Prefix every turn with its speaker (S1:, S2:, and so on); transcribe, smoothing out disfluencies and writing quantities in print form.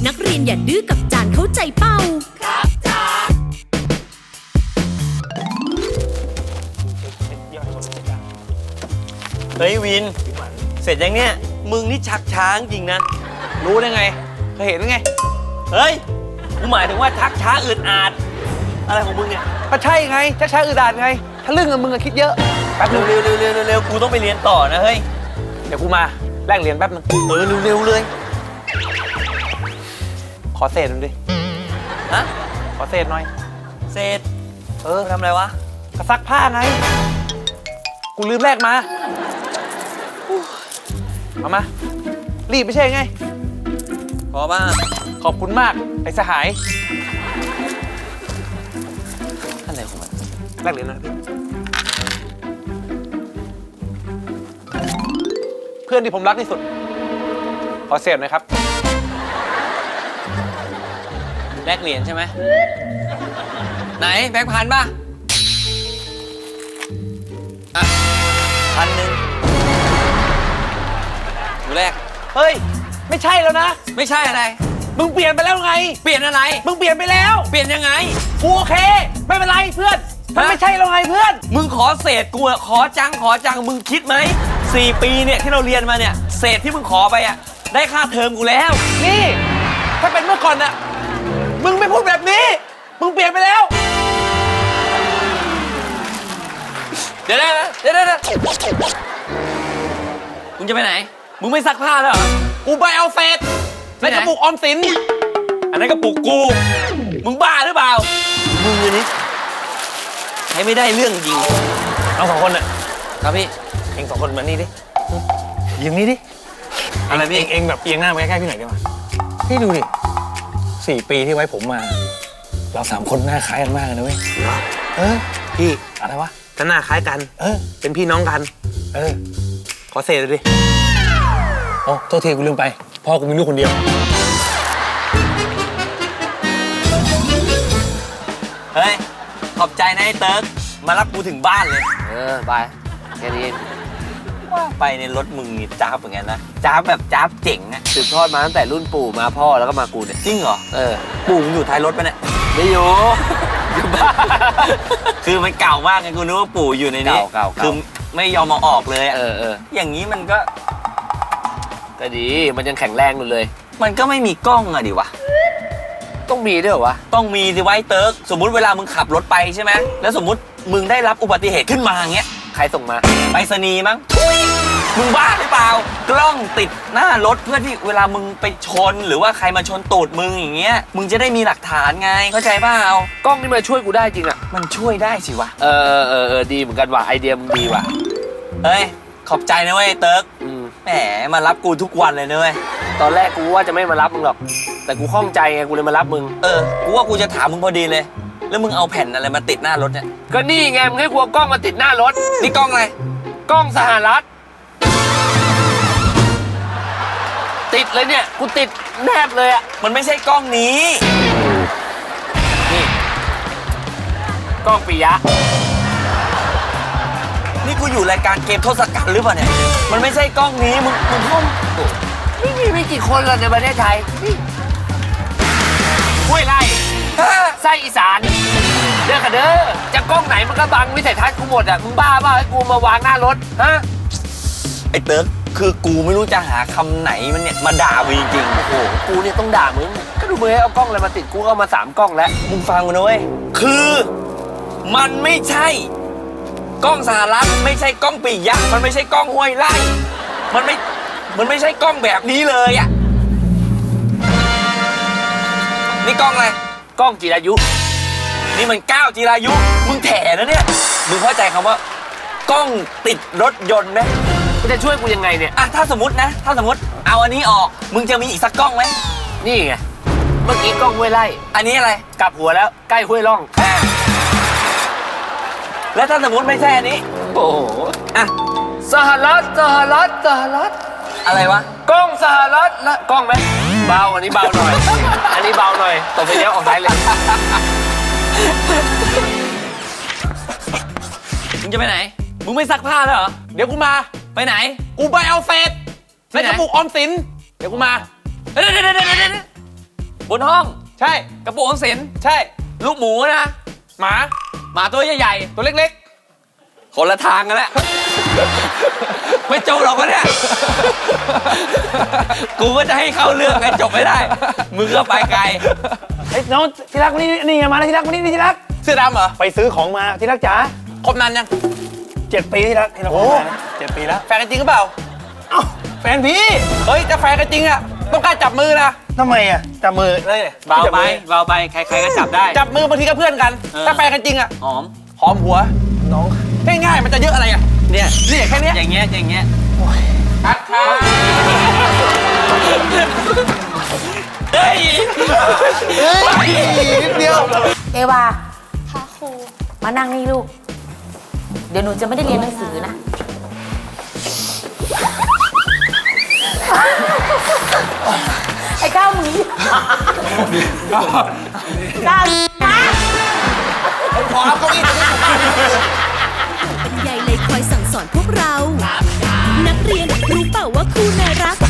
S1: นักเรียนอย่าดื้อกับจานเข้าใจเป้าครับจาน
S2: เฮ้ยวินเสร็จยังเนี่ยมึงนี่ชักช้าจริงนะรู้ได้ไงเคยเห็นไงเฮ้ยกูหมายถึงว่าชักช้าอึดอัดอะไรของมึงเนี่ย
S3: ก็ใช่ไงชักช้าอึดอัดไงถ้าเรื่องกับมึงอะคิดเยอะแป๊บนึง
S2: เร็วกูต้องไปเรียนต่อนะเฮ้ย
S3: เดี๋ยวกูมาแลกเหรียญแป๊บนึง
S2: เร็วเลย
S3: ขอเศษหน่อยดิ
S2: ฮะ
S3: ขอเศษหน่อย
S2: เศษทำอะไรวะ
S3: ก็ซักผ้าไงกูลืมแลกมาเอามารีบไม่ใช่ไง
S2: พอป่ะ
S3: ขอบคุณมากไอ้สหาย
S2: อะไรของมัน
S3: แลกเหรียญนะเพื่อนที่ผมรักที่สุดขอเศษหน่อยครับ
S2: แลกเหรียญใช่ไหมไหนแบงค์พันป่ะอ่ะ1,000อยู่แรก
S3: เฮ้ยไม่ใช่แล้วนะ
S2: ไม่ใช่อะไร
S3: มึงเปลี่ยนไปแล้วไง
S2: เปลี่ยนอะไร
S3: มึงเปลี่ยนไปแล้ว
S2: เปลี่ยนยังไง
S3: กูโอเคไม่เป็นไรเพื่อนมันไม่ใช่แล้วไงเพื่อน
S2: มึงขอเศษกูอะขอจังมึงคิดไหม4 ปีเนี่ยที่เราเรียนมาเนี่ยเศษที่มึงขอไปอะได้ค่าเทอมกูแล้ว
S3: นี่ถ้าเป็นเมื่อก่อนน่ะมึงไม่พูดแบบนี้มึงเปลี่ยนไปแล้ว
S2: เดี๋ยวมึงจะไปไหนมึงไม่ซักผ้าแล้วเหรอ
S3: กูไปเอาเศษในกระปุกออมสิน
S2: อันนั้นกระปุกกูมึงบ้าหรือเปล่ามึงนี่ใช้ไม่ได้เรื่องจริง
S3: เอา2 คนน่ะ
S2: ครับพี่
S3: เอง2 คนมานี่ดิยืนนี่ดิ
S2: อะไรพี่
S3: เองแบบเอียงหน้ามาใกล้ๆพี่หน่อยได้ไหมพี่ดูดิ4 ปีที่ไว้ผมมาเรา3 คนหน้าคล้ายกันมากเลยนะเว้ยพี่อะไรวะก็หน้าคล้ายกันเป็นพี่น้องกันขอเศษเลยดิโอ้โทษทีกูลืมไปพ่อกูมีลูกคนเดียว
S2: เฮ้ยขอบใจนะไอ้เติร์กมารับกูถึงบ้านเลย
S4: ไปแค่นี้
S2: ว่าไปในรถมึงนี่จ้าบเหมือนกันนะจ้าบแบบจ้าบเจ๋งอะ
S4: สืบทอดมาตั้งแต่รุ่นปู่มาพ่อแล้วก็มากูเนี่ย
S2: จริงเหรอปู่มึงอยู่ท้ายรถปะเนี่ย
S4: ไม่อยู่
S2: อยู่บ้านคือมันเก่ามากไงกูนึกว่าปู่อยู่ในนี้
S4: เก่า
S2: คือไม่ยอมมาออกเลยอย่างนี้มันก็
S4: ดีมันยังแข็งแรงอยู่เลย
S2: มันก็ไม่มีกล้องอะดิวะ
S4: ต้องมีด้วยเหรอวะ
S2: ต้องมีสิไว้เติร์กสมมุติเวลามึงขับรถไปใช่ไหมแล้วสมมุติมึงได้รับอุบัติเหตุขึ้นมาอย่างเงี้ย
S4: ใครส่งมา
S2: ไปรษณีย์มั้งมึงบ้าหรือเปล่ากล้องติดหน้ารถเพื่อที่เวลามึงไปชนหรือว่าใครมาชนตูดมึงอย่างเงี้ยมึงจะได้มีหลักฐานไงเข้าใจเปล่าก
S4: ล้องนี่มันช่วยกูได้จริงอะ
S2: มันช่วยได้สิวะ
S4: ดีเหมือนกันว่ะไอเดียมึงดีว่ะ
S2: เฮ้ยขอบใจนะเว้ยเติร์กแหมมารับกูทุกวันเลยนะเว้ย
S4: ตอนแรกกูว่าจะไม่มารับมึงหรอกแต่กูข้องใจไงกูเลยมารับมึง
S2: กูว่ากูจะถามมึงพอดีเลยแล้วมึงเอาแผ่นอะไรมาติดหน้ารถเนี่ย
S4: ก็นี่ไงมึงให้กูเอากล้องมาติดหน้ารถ
S2: นี่กล้องอะไร
S4: กล้องสหรัฐติดเลยเนี่ยกูติดแนบเลยอ่ะ
S2: มันไม่ใช่กล้องนี้
S4: นี่กล้องปิยะ
S2: นี่กูอยู่รายการเกมทศกัณฐ์หรือเปล่าเนี่ยมันไม่ใช่กล้องนี้มึงพ่ม
S4: ไม่กี่คนเลยในประเทศไทยห้วยไร่ไส้อีสานเด้อค่ะเด้อจะกล้องไหนมันก็บังวิสัยทัศน์กูหมดอ่ะมึงบ้าเปล่าให้กูมาวางหน้ารถฮะ
S2: ไอ้เติร์กคือกูไม่รู้จะหาคำไหนมันเนี่ยมาด่ามึงจริงๆ
S4: โอ้โหกูเนี่ยต้องด่ามึงก็ดูมึงให้เอากล้องอะไรมาติดกูเอามา3 กล้องแล้ว
S2: มึงฟังกูนะเว้ยคือมันไม่ใช่กล้องสหรัฐไม่ใช่กล้องปิยะมันไม่ใช่กล้องห้วยไร่มันไม่ใช่กล้องแบบนี้เลยอ่ะนี่กล้องอะไร
S4: กล้องจิรายุ
S2: นี่มันก้าวจิรายุมึงแถนะเนี่ยมึงเข้าใจคำว่ากล้องติดรถยนต์ไหม
S4: มึงจะช่วยกูยังไงเนี่ย
S2: ถ้าสมมติเอาอันนี้ออกมึงจะมีอีกสักกล้องไหม
S4: นี่ไงเมื่อกี้กล้องห้วยไร่
S2: อันนี้อะไร
S4: กลับหัวแล้วใกล้ห้วยร่อง
S2: แล้วถ้าสมมติไม่ใช่อันนี้
S4: โอ้โหสหรัฐ
S2: อะไรวะ
S4: กล้องสหรัฐละกล้องไหมเบาอันนี้เบาหน่อยอันนี้เบาหน่อยต่อไปเนี้ยออกซ้ายเลย
S2: มึงจะไปไหนมึงไม่ซักผ้าแล้วเหรอ
S3: เดี๋ยวกูมา
S2: ไปไหน
S3: กูไปเอาเศษในกระปุกออมสินเดี๋ยวกูมา
S2: บนห้อง
S3: ใช่
S2: กระปุกออมสิน
S3: ใช่
S2: ลูกหมูนะ
S3: หมา
S2: หมาตัวใหญ่
S3: ตัวเล็ก
S2: ๆคนละทางกันแล้ว ไม่จบหรอกวะเนี่ย กูก็จะให้เข้าเรื่องไงจบไม่ได้ มึงก็ไปไกล
S3: ๆเฮ้ยน้องที่รักวันนี้นี่มาแล้วที่รักวันนี้นี่ที่รักเสื้อดำเหรอ
S5: ไปซื้อของมาที่รักจ๋า
S3: คบนานยัง
S5: 7 ปีที่รักที่เราคบมานะ7 ปีแล้ว
S3: แฟนกันจริงหรือเปล่า
S5: เอ้าแฟนพี่
S3: เฮ้ยจะแฟนกันจริงอะต้องกล้าจับมือนะ
S5: ทำไมอ่ะจับมือเลย
S2: เบาไปเบาไปใครๆก็จับได้
S3: จับมือบางทีก็เพื่อนกัน ถ้าแฟนกันจริงอะ
S2: หอม
S3: หอมหัว
S5: น้อง
S3: ง่ายๆมันจะเยอะอะไรอะ
S2: เนี่ย
S3: นี่แค่เนี้ย
S2: อย่างเงี้ยอย่างเงี้ย
S3: คัดค่ะ
S2: เฮ้ย
S5: นิดเดียว
S6: เอวาค่ะครู มานั่งนี่ลูก เดี๋ยวหนูจะไม่ได้เรียนหนังสือนะ ไอ้ก้าวหมีก้าวมา
S5: ขอเอาเก้าอี้ตรงนี้
S1: ยายเลยคอยสั่งสอนพวกเรา นักเรียนรู้เปล่าว่าครูน่ารัก